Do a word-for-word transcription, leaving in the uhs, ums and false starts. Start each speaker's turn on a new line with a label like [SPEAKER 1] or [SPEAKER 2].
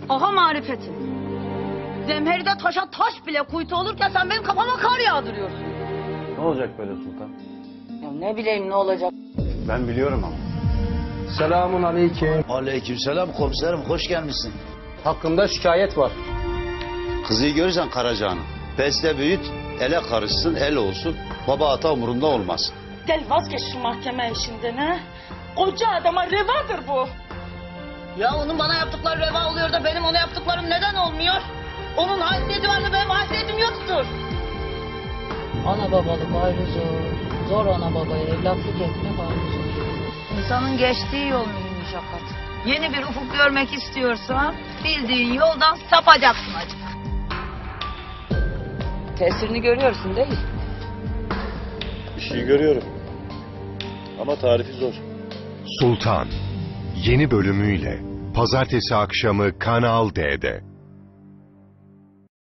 [SPEAKER 1] Aha marifetin. Zemheride taşa taş bile kuytu olurken sen benim kafama kar yağdırıyorsun.
[SPEAKER 2] Ne olacak böyle sultan?
[SPEAKER 1] Ya ne bileyim ne olacak.
[SPEAKER 2] Ben biliyorum ama.
[SPEAKER 3] Selamun aleyküm.
[SPEAKER 4] Aleykümselam komiserim, hoş gelmişsin.
[SPEAKER 3] Hakkında şikayet var.
[SPEAKER 4] Kızıyı görürsen Karacahan'ı. Besle büyüt, ele karışsın, el olsun. Baba ata umurunda olmaz.
[SPEAKER 5] Gel vazgeç şu mahkeme işinden ha. Koca adama revadır bu.
[SPEAKER 1] Ya onun bana yaptıkları reva oluyor da benim ona yaptıklarım neden olmuyor? Onun haysiyeti var da benim haysiyetim yoktur.
[SPEAKER 6] Ana babalık ayrı zor. Zor ana babaya evlatlık etmek ayrı zor.
[SPEAKER 1] İnsanın geçtiği yol mühim şakat. Yeni bir ufuk görmek istiyorsan bildiğin yoldan sapacaksın acık. Tesirini görüyorsun değil mi?
[SPEAKER 2] Bir şey görüyorum. Ama tarifi zor.
[SPEAKER 7] Sultan yeni bölümüyle Pazartesi akşamı Kanal D'de.